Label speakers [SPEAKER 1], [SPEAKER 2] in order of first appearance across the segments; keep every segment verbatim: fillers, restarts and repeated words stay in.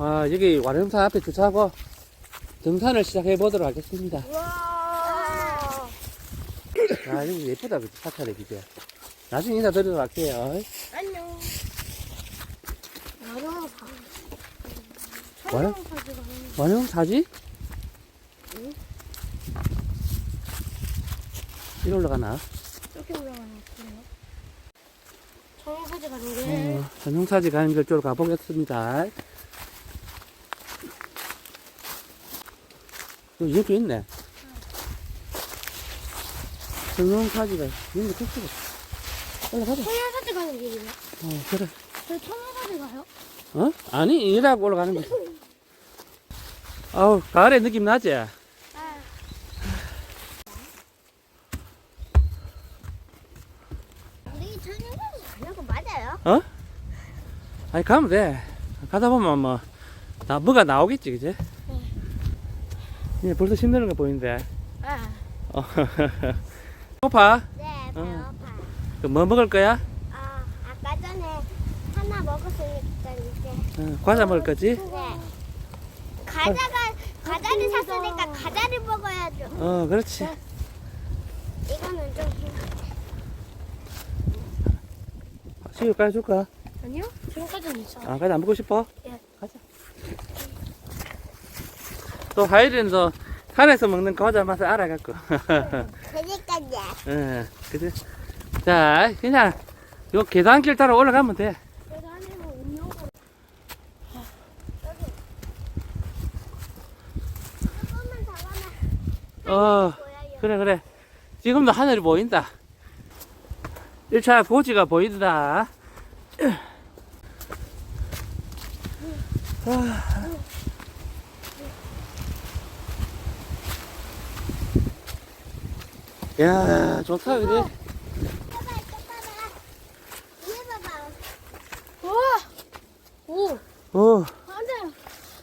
[SPEAKER 1] 아, 여기 완흥산 앞에 주차하고 등산을 시작해 보도록 하겠습니다.
[SPEAKER 2] 와.
[SPEAKER 1] 아, 여기 예쁘다, 그치? 사찰에, 그지? 나중에 인사드리도록 할게요.
[SPEAKER 2] 안녕. 완흥사.
[SPEAKER 1] 완흥?
[SPEAKER 2] 사지가 아니야.
[SPEAKER 1] 완흥사지?
[SPEAKER 2] 응?
[SPEAKER 1] 이리 올라가나?
[SPEAKER 2] 이렇게 올라가는 거 같은데요? 청사지 가는 게.
[SPEAKER 1] 어, 완흥사지 가는 길 쪽으로 가보겠습니다. 여기 이렇게 있네. 정용사지가 이런 거 좋지. 올라가자.
[SPEAKER 2] 청사지 가는 길이네.
[SPEAKER 1] 어, 그래.
[SPEAKER 2] 저 청사지 가요?
[SPEAKER 1] 어? 아니, 이라고 올라가는 거지. 아우, 가을에 느낌 나지?
[SPEAKER 2] 아. 우리 청사지 가는 거 맞아요?
[SPEAKER 1] 어? 아니, 가면 돼. 가다 보면 뭐, 나, 뭐가 나오겠지, 그지? 예, 벌써 힘드는 거 보이는데.
[SPEAKER 2] 아.
[SPEAKER 1] 어, 배고파?
[SPEAKER 2] 네,
[SPEAKER 1] 어.
[SPEAKER 2] 배고파요.
[SPEAKER 1] 그 뭐 먹을 거야?
[SPEAKER 2] 아, 아까 전에 하나 먹었으니까 이제.
[SPEAKER 1] 어, 과자 먹을 거지?
[SPEAKER 2] 네. 과자가, 과자를 샀으니까 과자를 먹어야죠.
[SPEAKER 1] 어, 그렇지.
[SPEAKER 2] 이거는 좀.
[SPEAKER 1] 시우 까지 줄까?
[SPEAKER 2] 아니요? 지금까지는 있어.
[SPEAKER 1] 아, 과자 안 먹고 싶어?
[SPEAKER 2] 예.
[SPEAKER 1] 가자. 또 하이리는 또 산에서 먹는 과자 맛을 알아갖고.
[SPEAKER 2] 그러니까요.
[SPEAKER 1] 예, 그지? 자, 그냥 요 계단길 따라 올라가면 돼.
[SPEAKER 2] 계단에는 음료가. 여기. 조금만 더 가면
[SPEAKER 1] 어,
[SPEAKER 2] 보여요.
[SPEAKER 1] 그래, 그래. 지금도 하늘이 보인다. 일 차 고지가 보인다. 아. 야, 좋다, 그지?
[SPEAKER 2] 봐봐, 이거 봐봐. 위에 봐봐. 우와! 오!
[SPEAKER 1] 어,
[SPEAKER 2] 맞아요.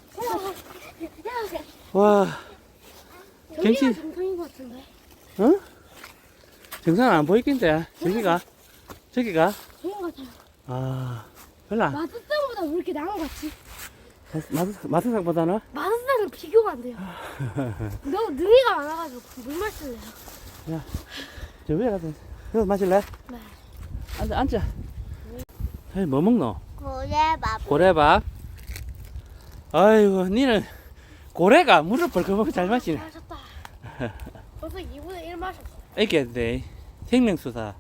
[SPEAKER 1] 와,
[SPEAKER 2] 여기가
[SPEAKER 1] 경치.
[SPEAKER 2] 정상인 것 같은데?
[SPEAKER 1] 어? 정상 안 보이긴데, 저기가, 저기가.
[SPEAKER 2] 좋은 것 같아요.
[SPEAKER 1] 아, 별로,
[SPEAKER 2] 마스상보다 왜 이렇게 나은 것 같지?
[SPEAKER 1] 마스, 마스상보다는?
[SPEAKER 2] 마스상은 비교가 안 돼요. 너무 능이가 많아가지고 물 마실래요.
[SPEAKER 1] 야, 저 위에 가서, 이거 마실래?
[SPEAKER 2] 네.
[SPEAKER 1] 앉아, 앉아. 에이, 뭐 먹노?
[SPEAKER 2] 고래밥.
[SPEAKER 1] 고래밥. 아이고, 니는 고래가 물을 벌컥벌컥 잘 마시네.
[SPEAKER 2] 마셨다. 벌써 이분의 일 마셨어.
[SPEAKER 1] 이게 돼. 생명수사.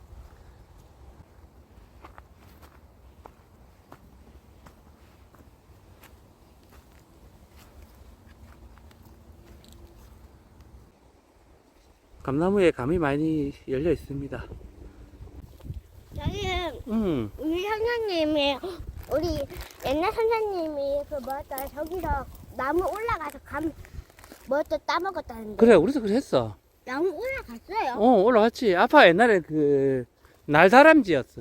[SPEAKER 1] 감나무에 감이 많이 열려 있습니다.
[SPEAKER 2] 저기는
[SPEAKER 1] 음,
[SPEAKER 2] 우리 선생님이, 우리 옛날 선생님이 그 뭐였더라, 저기서 나무 올라가서 감, 뭐였더 따먹었다는데.
[SPEAKER 1] 그래, 우리도 그래 했어.
[SPEAKER 2] 나무 올라갔어요?
[SPEAKER 1] 어, 올라갔지. 아빠 옛날에 그, 날다람쥐였어.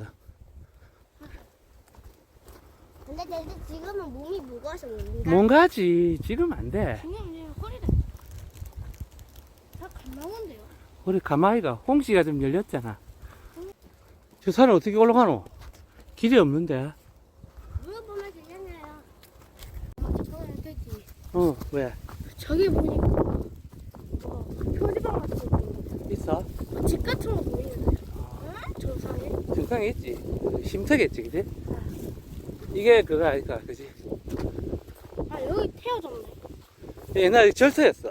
[SPEAKER 2] 근데 근데 지금은 몸이 무거워서 못 온다.
[SPEAKER 1] 뭔가지. 지금 안 돼.
[SPEAKER 2] 선생님 허리가 다 감나무인데요?
[SPEAKER 1] 우리 가마이가 홍시가 좀 열렸잖아. 저 산을 어떻게 올라가노? 길이 없는데.
[SPEAKER 2] 물어보면 되잖아요. 맞아, 저는 되지.
[SPEAKER 1] 어, 왜?
[SPEAKER 2] 저기 보니까 뭐 표지방 같은 거 보이는데,
[SPEAKER 1] 있어?
[SPEAKER 2] 집 같은 거 보이는데. 응? 저 산에?
[SPEAKER 1] 정상에 있지. 쉼터겠지, 그지? 이게 그거 아닐까, 그지?
[SPEAKER 2] 아, 여기 태워졌네.
[SPEAKER 1] 옛날에 절터였어.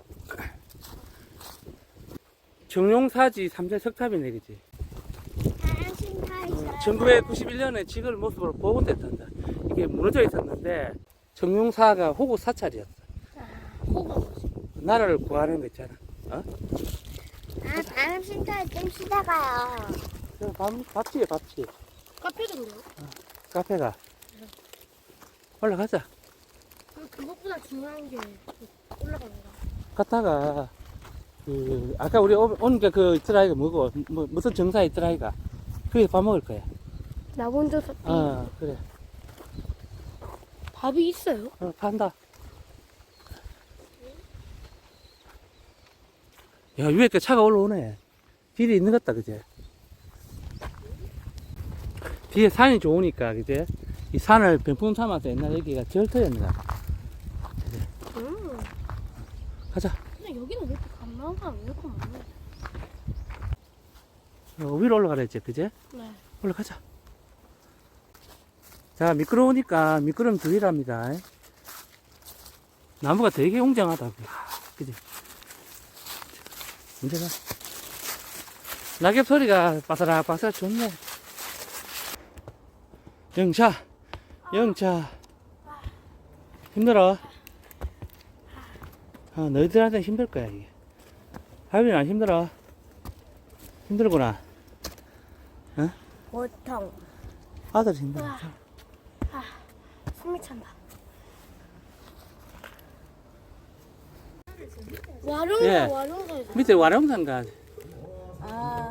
[SPEAKER 1] 정용사지 삼자 석탑이네, 그지?
[SPEAKER 2] 사랑신타이사.
[SPEAKER 1] 천구백구십일 년에 지글 모습으로 복원됐단다. 이게 무너져 있었는데, 정용사가 호구 사찰이었어.
[SPEAKER 2] 호가 뭐지?
[SPEAKER 1] 나라를 구하는 거 있잖아. 어?
[SPEAKER 2] 아, 사랑신타이 좀 쉬다가요.
[SPEAKER 1] 저 밥, 밥집이야, 밥집.
[SPEAKER 2] 카페던데요?
[SPEAKER 1] 카페가. 올라가자.
[SPEAKER 2] 그것보다 중요한 게 올라가는 거.
[SPEAKER 1] 갔다가, 그, 아까 우리 오- 오니까 그 있더라이가 뭐고, 뭐, 무슨 정사 있더라이가. 거기서 밥 먹을 거야.
[SPEAKER 2] 나 먼저 샀
[SPEAKER 1] 어, 그래.
[SPEAKER 2] 밥이 있어요?
[SPEAKER 1] 어, 판다. 야, 위에 그 차가 올라오네. 길이 있는 것 같다, 그제? 뒤에 산이 좋으니까, 그제? 이 산을 병풍 삼아서 옛날 여기가 절터였나.
[SPEAKER 2] 음.
[SPEAKER 1] 가자.
[SPEAKER 2] 근데 여기는 왜 이렇게 감나온 사람 왜 이렇게 많네?
[SPEAKER 1] 어, 위로 올라가라 했지, 그제?
[SPEAKER 2] 네.
[SPEAKER 1] 올라가자. 자, 미끄러우니까 미끄럼 주의랍니다. 나무가 되게 웅장하다. 그지? 문제가. 낙엽 소리가 바사락바사락 좋네. 영차, 영차. 힘들어. 아, 너희들한테 힘들 거야, 이게. 하빈이 안 힘들어. 힘들구나. 어?
[SPEAKER 2] 보통.
[SPEAKER 1] 아들 힘들어.
[SPEAKER 2] 아, 숨이 찬다. 와룡사,
[SPEAKER 1] 예.
[SPEAKER 2] 와룡사.
[SPEAKER 1] 밑에 와룡산가.
[SPEAKER 3] 아,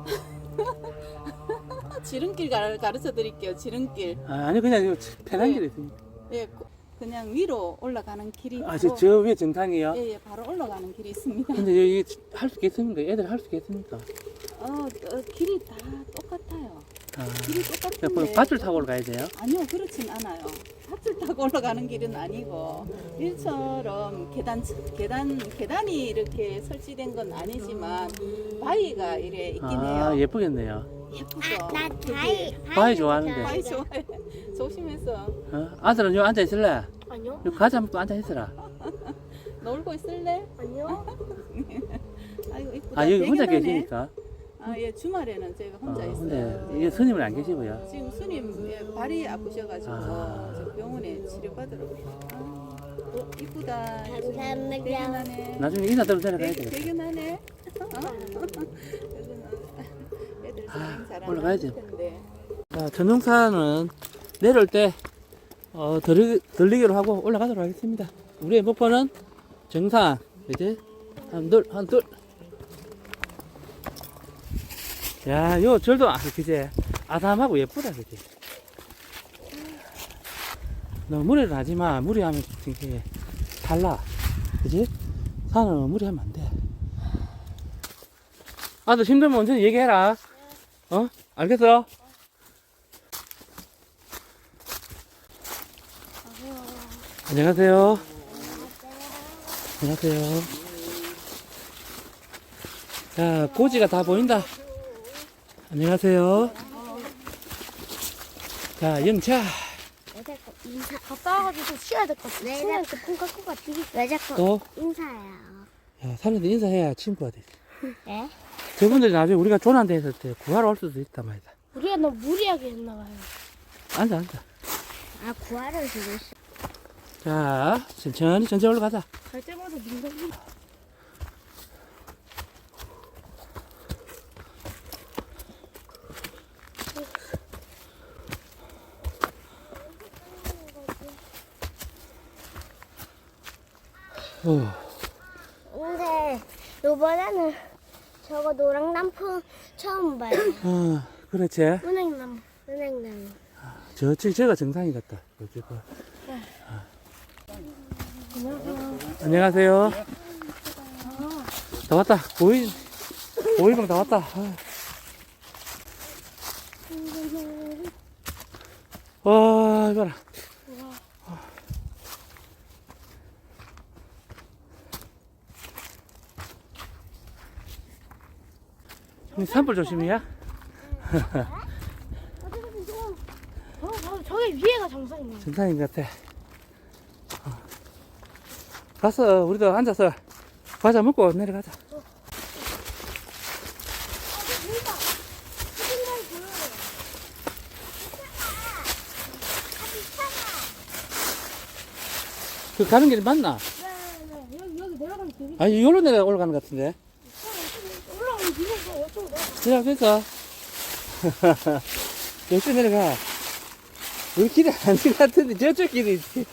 [SPEAKER 3] 지름길 가, 가르쳐 드릴게요. 지름길.
[SPEAKER 1] 아, 아니, 그냥 이거 편한
[SPEAKER 3] 네.
[SPEAKER 1] 길이 있으니까.
[SPEAKER 3] 예, 고- 그냥 위로 올라가는 길이
[SPEAKER 1] 아,
[SPEAKER 3] 바로,
[SPEAKER 1] 저, 저 위에 정상이요?
[SPEAKER 3] 예, 예, 바로 올라가는 길이 있습니다.
[SPEAKER 1] 근데 여기 할 수 있겠습니까? 애들 할 수 있겠습니까?
[SPEAKER 3] 어, 어, 길이 다 똑같아요.
[SPEAKER 1] 아,
[SPEAKER 3] 길이
[SPEAKER 1] 그냥
[SPEAKER 3] 똑같은데.
[SPEAKER 1] 밧줄 타고 올라가야 돼요?
[SPEAKER 3] 아니요, 그렇진 않아요. 밧줄 타고 올라가는 길은 아니고 일처럼 계단 계단 계단이 이렇게 설치된 건 아니지만 바위가 이래 있긴
[SPEAKER 1] 아,
[SPEAKER 3] 해요.
[SPEAKER 1] 예쁘겠네요.
[SPEAKER 3] 예쁘죠.
[SPEAKER 2] 나
[SPEAKER 3] 그게.
[SPEAKER 2] 바위.
[SPEAKER 1] 바위 좋아하는데.
[SPEAKER 3] 바위 좋아해. 조심해서
[SPEAKER 1] 어? 아들은 여기 앉아있을래?
[SPEAKER 2] 아니요.
[SPEAKER 1] 여기 과자 먹고 앉아있어라.
[SPEAKER 3] 놀고 있을래?
[SPEAKER 2] 아니요.
[SPEAKER 3] 아이고 이쁘다.
[SPEAKER 1] 아, 여기 혼자
[SPEAKER 3] 대견하네.
[SPEAKER 1] 계시니까?
[SPEAKER 3] 아, 예, 주말에는 제가 혼자
[SPEAKER 1] 어,
[SPEAKER 3] 있어요.
[SPEAKER 1] 근데 이게 스님은 안 계시고요.
[SPEAKER 3] 지금 스님 예, 발이 아프셔가지고
[SPEAKER 1] 아.
[SPEAKER 3] 저 병원에 치료받으러 오셨어요. 아, 어, 이쁘다.
[SPEAKER 2] 감사합니다.
[SPEAKER 3] 대견하네.
[SPEAKER 1] 나중에 인사대로 데려가야
[SPEAKER 3] 대-
[SPEAKER 1] 되겠다.
[SPEAKER 3] 대견하네. 애들
[SPEAKER 1] 아,
[SPEAKER 3] 사랑 잘하는
[SPEAKER 1] 올라가야지.
[SPEAKER 3] 텐데.
[SPEAKER 1] 자, 전용산은 내려올 때, 어, 들리, 들리기로 하고 올라가도록 하겠습니다. 우리의 목표는 정상, 그지? 한 둘, 한 둘. 야, 요 절도, 아, 그지? 아담하고 예쁘다, 그지? 너 무리를 하지 마. 무리하면 이게 달라. 그지? 산은 무리하면 안 돼. 아들 힘들면 언제 얘기해라. 어? 알겠어? 안녕하세요. 안녕하세요. 자, 고지가 다 보인다. 안녕하세요. 자, 영차.
[SPEAKER 2] 인사 갔다 와가지고 쉬어야 될 것 같아. 왜 자꾸 폰 갖고 갔지? 왜 자꾸
[SPEAKER 1] 또,
[SPEAKER 2] 인사해요?
[SPEAKER 1] 야, 사람들 인사해야 친구가 되지.
[SPEAKER 2] 네?
[SPEAKER 1] 저분들이 나중에 우리가 조난돼 있을 때 구하러 올 수도 있단 말이다.
[SPEAKER 2] 우리가 너무 무리하게 했나 봐요.
[SPEAKER 1] 앉아, 앉아.
[SPEAKER 2] 아, 구하를 주고 있어.
[SPEAKER 1] 자, 천천히, 천천히 올라가자.
[SPEAKER 2] 갈 때마다 민감해.
[SPEAKER 1] 어,
[SPEAKER 2] 근데 요번에는 저거 노랑나무 처음 봐요.
[SPEAKER 1] 어, 그렇지.
[SPEAKER 2] 은행나무, 은행나무.
[SPEAKER 1] 저쪽, 저가 정상이 같다. 저쪽.
[SPEAKER 2] 안녕하세요.
[SPEAKER 1] 안녕하세요. 다 왔다. 보이, 보이방 다 왔다. 아. 와, 이거라. 형, 산불 조심이야?
[SPEAKER 2] 어, 저, 저기 위에가 정상이네.
[SPEAKER 1] 정상인 것 같아. 어. 가서 우리도 앉아서 과자 먹고 내려가자. 그 가는 길이 맞나?
[SPEAKER 2] 네, 네. 여기, 여기 내려가면 되게
[SPEAKER 1] 아, 이걸로 내려 올라가는 것 같은데.
[SPEAKER 2] 올라가면 되게 어쩌고 내려가.
[SPEAKER 1] 내려가니까. 여기 내려가. 우리 길이 아닌 것 같은데 저쪽 길이 있지.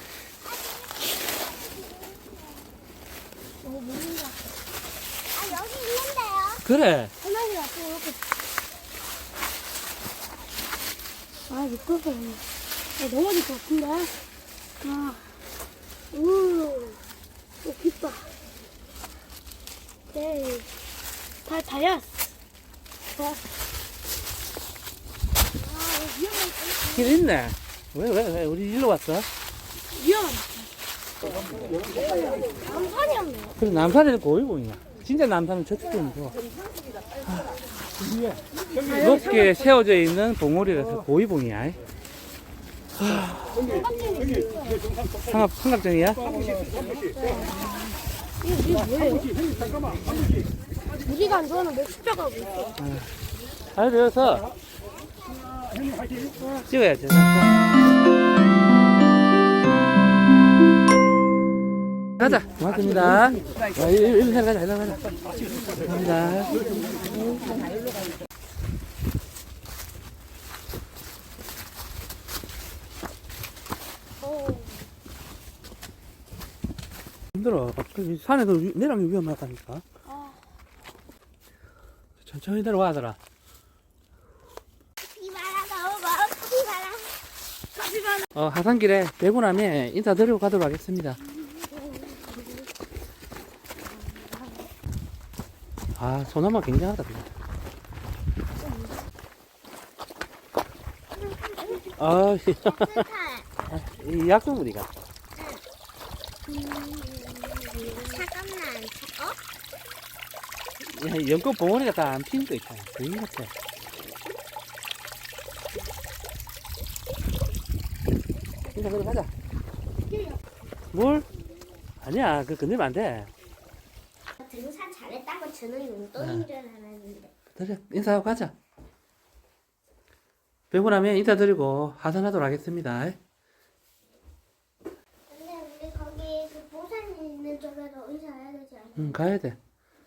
[SPEAKER 2] 어, 모른다. 아, 여기 있는데요?
[SPEAKER 1] 그래.
[SPEAKER 2] 하나님 앞에 이렇게. 아, 미끄럽다. 아, 넘어질 것 같은데. 아, 우, 오, 깊다. 네. 다, 다였어. 다. 아, 위험하다.
[SPEAKER 1] 길 있네. 왜, 왜, 왜? 우리 일로 왔어?
[SPEAKER 2] 위험하다. 남산이 없네.
[SPEAKER 1] 그래, 남산에는 고위봉이야. 진짜 남산은 저쪽도 있고. 높게 세워져 있는 봉우리라서 고위봉이야. 삼각, 삼각정이야?
[SPEAKER 2] 이게 뭐예요? 우리가 안 좋아하는 멕시코가 뭐 있어?
[SPEAKER 1] 잘 배워서 찍어야지. 가자. 고맙습니다. 아, 일로 일로 가자. 일로 가자. 감사합니다. 힘들어. 그 산에도 위- 내려가기 위험하다니까. 천천히 내려와, 아들아.
[SPEAKER 2] 비바라 너무 멀어. 비바라. 비바라.
[SPEAKER 1] 어, 하산길에 되고 나면 인사드리고 가도록 하겠습니다. 아, 소나무 굉장하다, 그냥. 아, 이 약속물이가.
[SPEAKER 2] 잠깐만. 어?
[SPEAKER 1] 야, 연꽃 봉오리가 다 안 피는 거 있잖아. 그인 같아. 인사 그래 가자. 뭘? 아니야, 그 건들면 안 돼.
[SPEAKER 2] 등산 잘했다고 저는 용돈인 줄 알았는데.
[SPEAKER 1] 그래, 인사하고 가자. 배고 나면 인사드리고 하산하도록 하겠습니다.
[SPEAKER 2] 근데 우리 거기 그 보산 있는 쪽에도 의사해야 되지 않아?
[SPEAKER 1] 응, 가야 돼.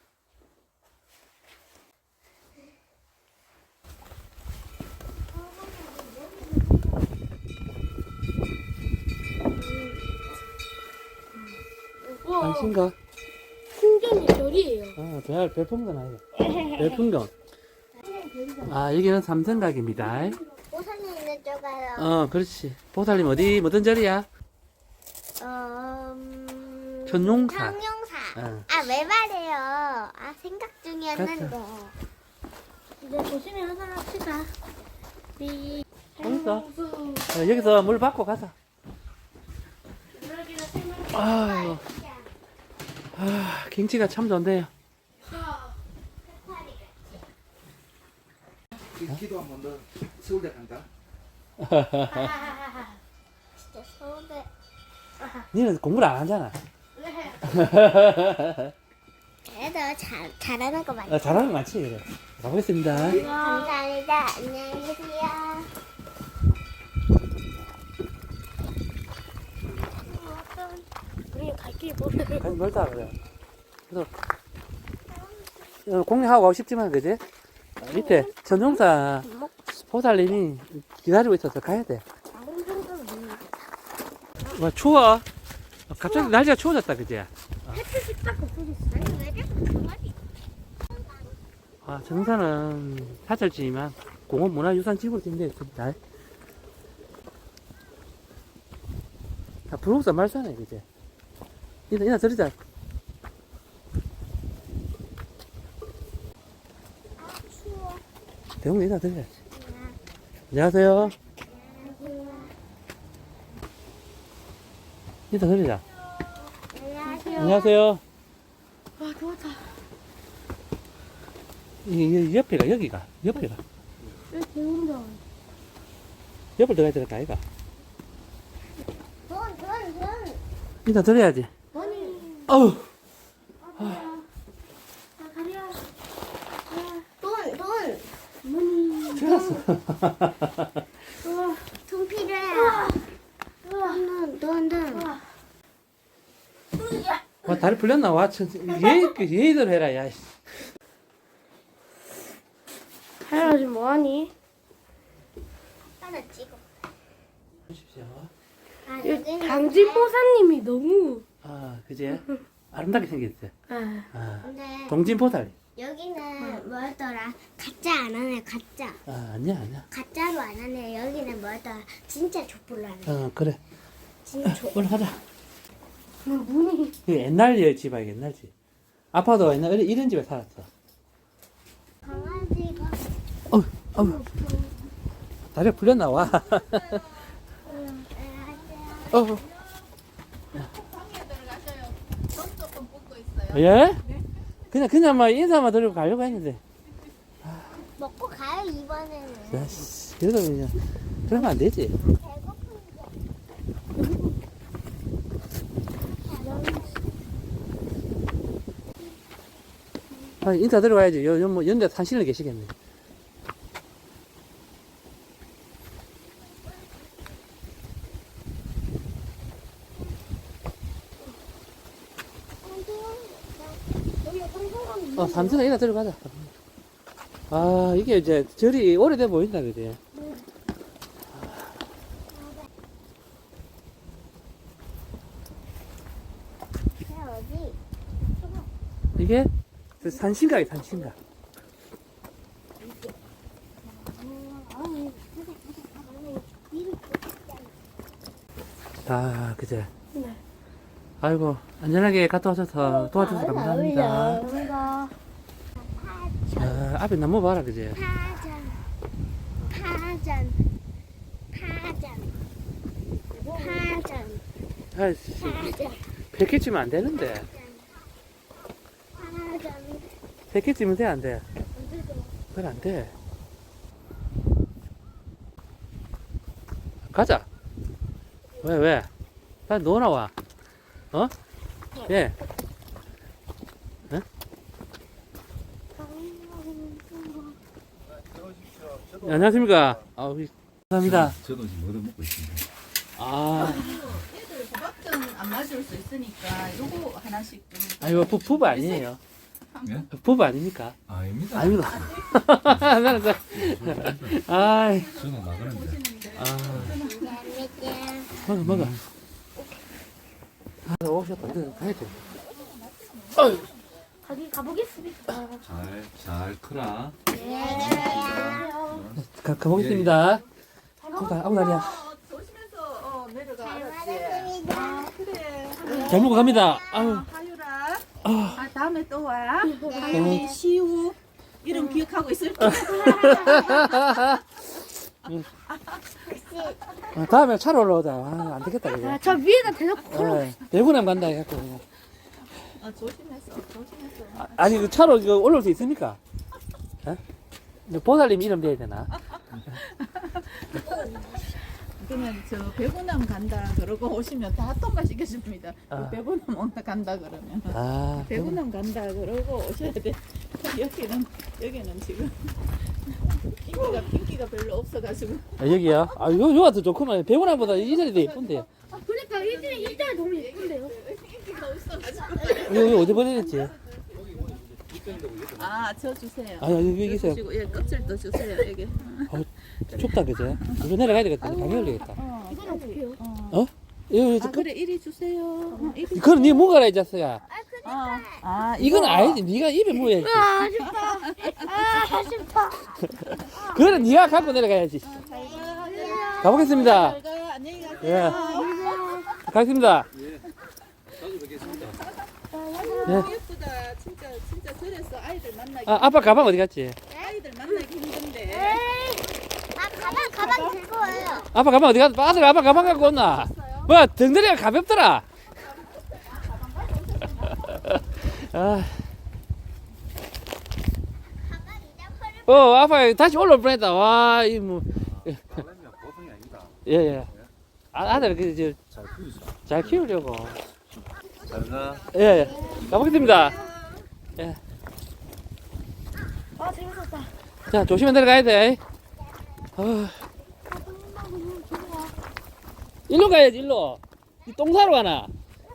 [SPEAKER 1] 안신가?
[SPEAKER 2] 풍경이 별이에요.
[SPEAKER 1] 어, 별, 별풍선 아니야. 별풍경. 아, 여기는 삼성각입니다.
[SPEAKER 2] 보산이 있는 쪽에요.
[SPEAKER 1] 어, 그렇지. 보살님 어디, 뭐든 절이야?
[SPEAKER 2] 어, 음...
[SPEAKER 1] 천용사.
[SPEAKER 2] 청룡사.
[SPEAKER 1] 어.
[SPEAKER 2] 아, 왜 말해요? 아, 생각 중이었는데. 이제 조심히 하산합시다. 미.
[SPEAKER 1] 어딨어? 어, 여기서 물 받고 가자. 아유, 아, 경치가 참 좋네요.
[SPEAKER 4] 기도 한번 더 서울대 간다.
[SPEAKER 2] 진짜 서울대.
[SPEAKER 1] 니는 공부를 안 하잖아.
[SPEAKER 2] 그래도 잘, 잘하는 거 맞아.
[SPEAKER 1] 어, 잘하는 거 많지, 그래. 가보겠습니다.
[SPEAKER 2] 감사합니다. 안녕히 계세요. 우리 갈 길이 멀어요.
[SPEAKER 1] 가지 멀다, 그래. 그래서, 어, 공략하고 가고 싶지만, 그지? 어, 밑에 전용사 보살님이 기다리고 있어서 가야 돼. 와, 추워. 어, 갑자기 날씨가 추워졌다, 그지?
[SPEAKER 2] 햇빛이 딱 없어졌어. 아니, 왜 자꾸 가만히.
[SPEAKER 1] 아, 정사는 사찰지지만 공원 문화유산지구로 지정되어 있습니다. 아, 불국사 말사네, 그지? 이나, 이나 들으자.
[SPEAKER 2] 아, 추워.
[SPEAKER 1] 대웅이 이나 들으자. 안녕하세요. 이나 들으자.
[SPEAKER 2] 안녕하세요.
[SPEAKER 1] 안녕하세요.
[SPEAKER 2] 아, 더웠다.
[SPEAKER 1] 이, 이 옆에가, 여기가, 옆에가.
[SPEAKER 2] 왜 더운다.
[SPEAKER 1] 옆을 들어가야 될까, 아이가?
[SPEAKER 2] 돈, 돈, 돈.
[SPEAKER 1] 이나 들어야지.
[SPEAKER 2] 돈이.
[SPEAKER 1] 어우,
[SPEAKER 2] 아, 가려. 돈, 돈. money.
[SPEAKER 1] 들어갔어.
[SPEAKER 2] 돈 필요해. 돈, 돈, 돈.
[SPEAKER 1] 와, 다리 풀렸나? 와, 천, 예의, 예의대로 해라, 야.
[SPEAKER 2] 할아버지 뭐하니? 하나 찍어.
[SPEAKER 1] 보십시오.
[SPEAKER 2] 아, 여기는
[SPEAKER 5] 강진보사님이 너무
[SPEAKER 1] 아, 그지? 아름답게 생겼어.
[SPEAKER 5] 아,
[SPEAKER 1] 아,
[SPEAKER 2] 근데
[SPEAKER 1] 동진보살.
[SPEAKER 2] 여기는 뭐였더라? 가짜 안 하네, 가짜.
[SPEAKER 1] 아, 아니야, 아니야.
[SPEAKER 2] 가짜로 안 하네. 여기는 뭐였더라? 진짜 족불로 하네.
[SPEAKER 1] 어, 그래.
[SPEAKER 2] 진짜 족.
[SPEAKER 1] 올라가자.
[SPEAKER 5] 문이
[SPEAKER 1] 이거 옛날 집이야, 옛날 집. 아빠도 옛날에 이런 집에 살았어.
[SPEAKER 2] 강아지가.
[SPEAKER 1] 어우, 어우. 다리가 풀렸나, 와.
[SPEAKER 2] 안녕하세요.
[SPEAKER 1] 어우. 예? 그냥 그냥 막 인사만 드리고 가려고 했는데.
[SPEAKER 2] 먹고 가요 이번에는.
[SPEAKER 1] 야, 씨, 그래도 그냥 그러면 안 되지. 아, 인사 들어가야지. 요, 요, 뭐, 연대 산신을 계시겠네. 어, 삼천원 인사 들어가자. 아, 이게 이제 절이 오래돼 보인다, 그지?
[SPEAKER 2] 어디?
[SPEAKER 1] 이게 산신각이 산신각. 아, 그제?
[SPEAKER 5] 네.
[SPEAKER 1] 아이고, 안전하게 갔다 오셔서 도와주셔서 감사합니다.
[SPEAKER 5] 감사합니다.
[SPEAKER 1] 아, 앞에 나무 봐라, 그제?
[SPEAKER 2] 파전, 파전, 파전, 파전,
[SPEAKER 1] 아이씨,
[SPEAKER 2] 파전,
[SPEAKER 1] 백회 찌면 안 되는데.
[SPEAKER 2] 파전.
[SPEAKER 1] 백회 찌면 돼, 안 돼? 그건 안 돼. 가자. 왜, 왜? 빨리 누워 나와. 어? 예. 응? 네, 안녕하십니까. 아, 우리, 감사합니다.
[SPEAKER 4] 저도 지금 얻어먹고 있습니다.
[SPEAKER 1] 아,
[SPEAKER 3] 애들 호박전 안 마실 수 있으니까 요거 하나씩 좀.
[SPEAKER 1] 아, 이거 부, 부부 아니에요.
[SPEAKER 4] 예?
[SPEAKER 1] 부부 아닙니까?
[SPEAKER 4] 아닙니다.
[SPEAKER 1] 아닙니다. 나는 그, 아이,
[SPEAKER 4] 저는 나가는데.
[SPEAKER 1] 아, 먹어, 먹어. 아, 오셨다. 이거 가야 돼. 어이.
[SPEAKER 5] 가기 가보겠습니다.
[SPEAKER 4] 잘, 잘 크라.
[SPEAKER 1] 가, 가보겠습니다. 아우, 다- 아우, 다리야.
[SPEAKER 3] 어, 조심해서 어, 내려가.
[SPEAKER 2] 잘
[SPEAKER 3] 알았지?
[SPEAKER 2] 먹었습니다.
[SPEAKER 3] 아, 그래.
[SPEAKER 1] 잘 먹고 갑니다. 아우.
[SPEAKER 3] 하유라.
[SPEAKER 1] 아.
[SPEAKER 3] 아, 다음에 또 와. 하유리, 시우. 이름 기억하고 있을게.
[SPEAKER 1] 아, 다음에 차로 올라오자. 아, 안 되겠다, 그죠?
[SPEAKER 5] 아, 저 위에다 대놓고 걸어.
[SPEAKER 1] 네, 대구남 간다 해갖고. 그냥.
[SPEAKER 3] 아, 조심해서, 조심해서.
[SPEAKER 1] 아, 아니, 그 차로 이거 올라올 수 있습니까? 예? 이거 보살님 이름 대야 되나?
[SPEAKER 3] 그러면 저 배구남 간다 그러고 오시면 다 통과시켜줍니다.
[SPEAKER 1] 아.
[SPEAKER 3] 배구남 온다 간다 그러면.
[SPEAKER 1] 아,
[SPEAKER 3] 배구남 간다 그러고 오셔야 돼. 여기는 여기는 지금 인기가 인기가 별로 없어가지고.
[SPEAKER 1] 아, 여기요? 아, 요, 요가 더 좋구만. 배구남보다 이 자리 더 예쁜데요.
[SPEAKER 5] 아, 그러니까 일진이 일자리 너무 예쁜데요.
[SPEAKER 3] 인기가 없어가지고.
[SPEAKER 1] 여기 어디 보내는지.
[SPEAKER 3] 아, 저 주세요.
[SPEAKER 1] 아, 여기, 여기 있어요.
[SPEAKER 3] 주시고, 예, 껍질도 주세요. 여기.
[SPEAKER 1] 어, 춥다, 그죠? 이거 내려가야 되겠다. 감기 걸리겠다.
[SPEAKER 3] 어,
[SPEAKER 5] 이건 어떡해요?
[SPEAKER 3] 어.
[SPEAKER 1] 어? 이거,
[SPEAKER 3] 아,
[SPEAKER 1] 그,
[SPEAKER 3] 그래 이리 주세요. 어, 이리.
[SPEAKER 1] 그건 네 뭐가라, 이 자식아.
[SPEAKER 3] 아, 아,
[SPEAKER 1] 이건
[SPEAKER 3] 이거.
[SPEAKER 1] 아니지. 네가 입에 뭐야지.
[SPEAKER 5] 아, 아쉽다. 아, 아쉽다.
[SPEAKER 1] 그거는 네가 갖고 내려가야지.
[SPEAKER 3] 잘 가.
[SPEAKER 1] 가보겠습니다.
[SPEAKER 3] 잘 가. 안녕히 가세요.
[SPEAKER 1] 예. 가겠습니다.
[SPEAKER 3] 너무 예쁘다. 진짜 진짜 저래서 아이들 만나기.
[SPEAKER 1] 아, 아빠 가방 어디 갔지?
[SPEAKER 3] 아이들 만나기 힘든데.
[SPEAKER 2] 아 가방 가방 들고 와요.
[SPEAKER 1] 아빠 가방 어디 갔어? 아들 아빠 가방 갖고 왔나? 뭐야, 덩다리가 가볍더라. 아,
[SPEAKER 2] 가방 잊어버려.
[SPEAKER 1] 어, 아빠 다시 올라올 뻔했다. 와, 이 뭐,
[SPEAKER 4] 딸내미가 보통이 아니다.
[SPEAKER 1] 예, 예. 아, 아들 그, 저,
[SPEAKER 4] 잘 키우자.
[SPEAKER 1] 잘 키우려고.
[SPEAKER 4] 잘 가.
[SPEAKER 1] 예, 예. 가보겠습니다. 예.
[SPEAKER 5] 아, 재밌었다.
[SPEAKER 1] 자, 조심히 내려가야 돼. 아, 일로 가야지, 일로. 이똥 사러 가나?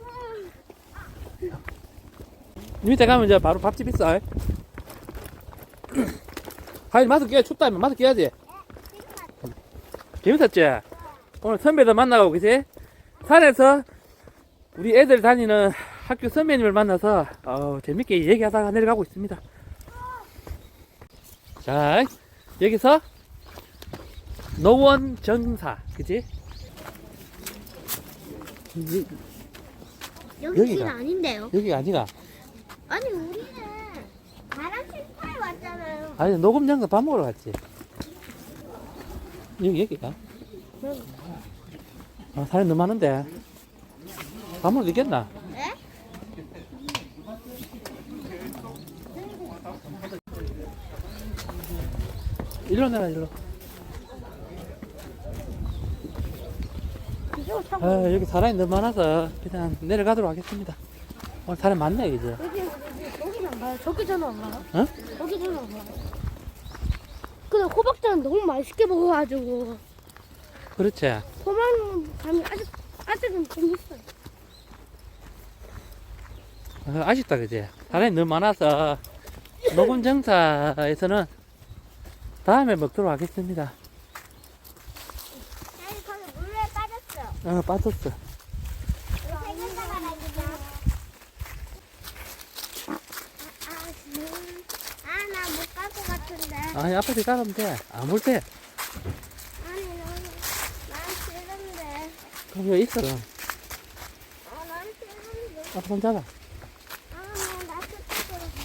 [SPEAKER 1] 밑에 가면 이제 바로 밥집 있어. 하이, 마스크 껴야 춥다면 마스크 껴야지. 재밌었지? 오늘 선배들 만나고, 그지? 산에서 우리 애들 다니는 학교 선배님을 만나서 어, 재밌게 얘기하다가 내려가고 있습니다. 자, 여기서 노원 정사, 그지? 이-
[SPEAKER 2] 여기
[SPEAKER 1] 여기가.
[SPEAKER 2] 길 아닌데요?
[SPEAKER 1] 여기가 아니가.
[SPEAKER 2] 아니 우리는 바람 심파에 왔잖아요.
[SPEAKER 1] 아니, 녹음 장사 밥 먹으러 갔지. 여기, 여기가. 아, 사람이 너무 많은데. 밥 먹을 수 있겠나?
[SPEAKER 2] 네?
[SPEAKER 1] 일로 내려, 일로.
[SPEAKER 5] 이거 참.
[SPEAKER 1] 아, 여기 사람이 너무 많아서 그냥 내려가도록 하겠습니다. 오늘 사람 많네, 그죠?
[SPEAKER 5] 여기 여기는 안 가요. 저기 저는 안 가요.
[SPEAKER 1] 어?
[SPEAKER 5] 저기 저는 안 가요. 근데 호박전 너무 맛있게 먹어가지고
[SPEAKER 1] 그렇지.
[SPEAKER 5] 호박 감이 아직 아직은 좀 있어요.
[SPEAKER 1] 어, 아쉽다, 그지? 사람이 너무 많아서 녹음 정사에서는 다음에 먹도록 하겠습니다.
[SPEAKER 2] 아니 거기 물에 빠졌어.
[SPEAKER 1] 어, 빠졌어.
[SPEAKER 2] 생겼다가 나니까. 아나 못 갈 것 같은데.
[SPEAKER 1] 아니, 아빠한테 가면 돼. 안 올 때.
[SPEAKER 2] 아니 너는 난 싫은데.
[SPEAKER 1] 그럼 여기 있어. 그럼.
[SPEAKER 2] 아난 싫은데.
[SPEAKER 1] 아빠 손 잡아.
[SPEAKER 2] 아나 그쪽으로 가.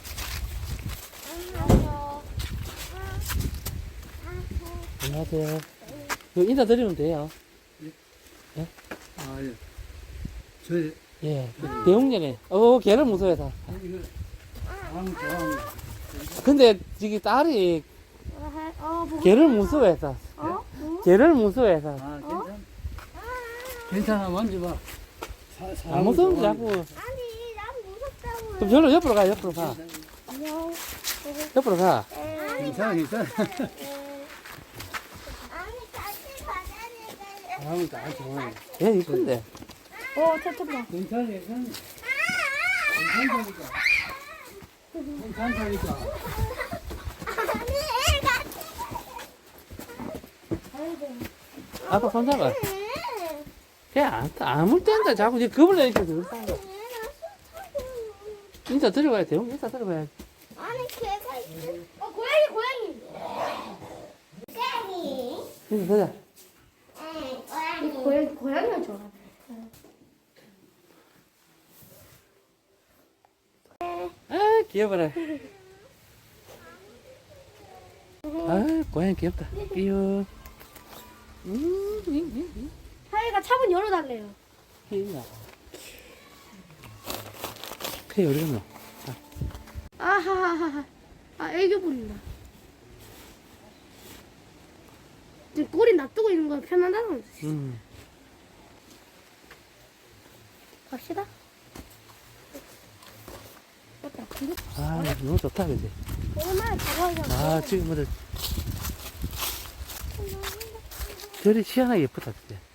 [SPEAKER 2] 안녕하세요.
[SPEAKER 1] 안녕하세요. 여기 인사드리면 돼요.
[SPEAKER 4] 아, 예. 저희,
[SPEAKER 1] 예. 대웅년에. 어, 걔를 무서워해서.
[SPEAKER 4] 이거, 방 좋아하는
[SPEAKER 1] 근데, 저기 딸이
[SPEAKER 5] 어, 뭐,
[SPEAKER 1] 걔를 무서워해서.
[SPEAKER 5] 어?
[SPEAKER 1] 걔를 무서워해서.
[SPEAKER 4] 아, 괜찮아. 괜찮아, 만져봐. 사,
[SPEAKER 1] 안
[SPEAKER 4] 사람을
[SPEAKER 1] 무서운지
[SPEAKER 4] 좋아하는
[SPEAKER 1] 자꾸.
[SPEAKER 2] 아니 난 무섭다고.
[SPEAKER 1] 그럼 저로 옆으로 가, 옆으로 가.
[SPEAKER 2] 안녕.
[SPEAKER 1] 옆으로 가.
[SPEAKER 4] 괜찮아, 괜찮아.
[SPEAKER 2] 아니 같이 가자니까.
[SPEAKER 4] 사람을 다 좋아해.
[SPEAKER 1] 얘 이쁜데.
[SPEAKER 5] 어, 찾았다.
[SPEAKER 4] 괜찮아, 괜찮아. 괜찮다니까. 괜찮다니까.
[SPEAKER 2] 아니 같이.
[SPEAKER 1] 아빠 손 잡아. 걔 안, 아무 때인데 자꾸 이제 겁을 내니까 그렇다는 거. 인사 들어가야 돼. 형 인사 들어가야 돼.
[SPEAKER 2] 아니 걔가 있어.
[SPEAKER 5] 어, 고양이, 고양이.
[SPEAKER 2] 고양이.
[SPEAKER 1] 인사 들어.
[SPEAKER 2] 응, 고양이.
[SPEAKER 5] 고양이, 고양이가 좋아.
[SPEAKER 1] 아, 귀여워라. 아, 고양이 귀엽다. 귀여워. 음, 음, 음, 음.
[SPEAKER 5] 하이가 차문 열어달래요.
[SPEAKER 1] 귀여워. 걔 어디 갔노?
[SPEAKER 5] 아하하하. 아, 애교 부린다. 지금 꼬리 놔두고 있는 거 편하다는 거지.
[SPEAKER 1] 음.
[SPEAKER 5] 갑시다. 맞다. 이거
[SPEAKER 1] 아, 너무 좋다, 그지?
[SPEAKER 5] 얼마나 작아서.
[SPEAKER 1] 아, 지금 뭐들. 별이 희한하게 예쁘다, 그지?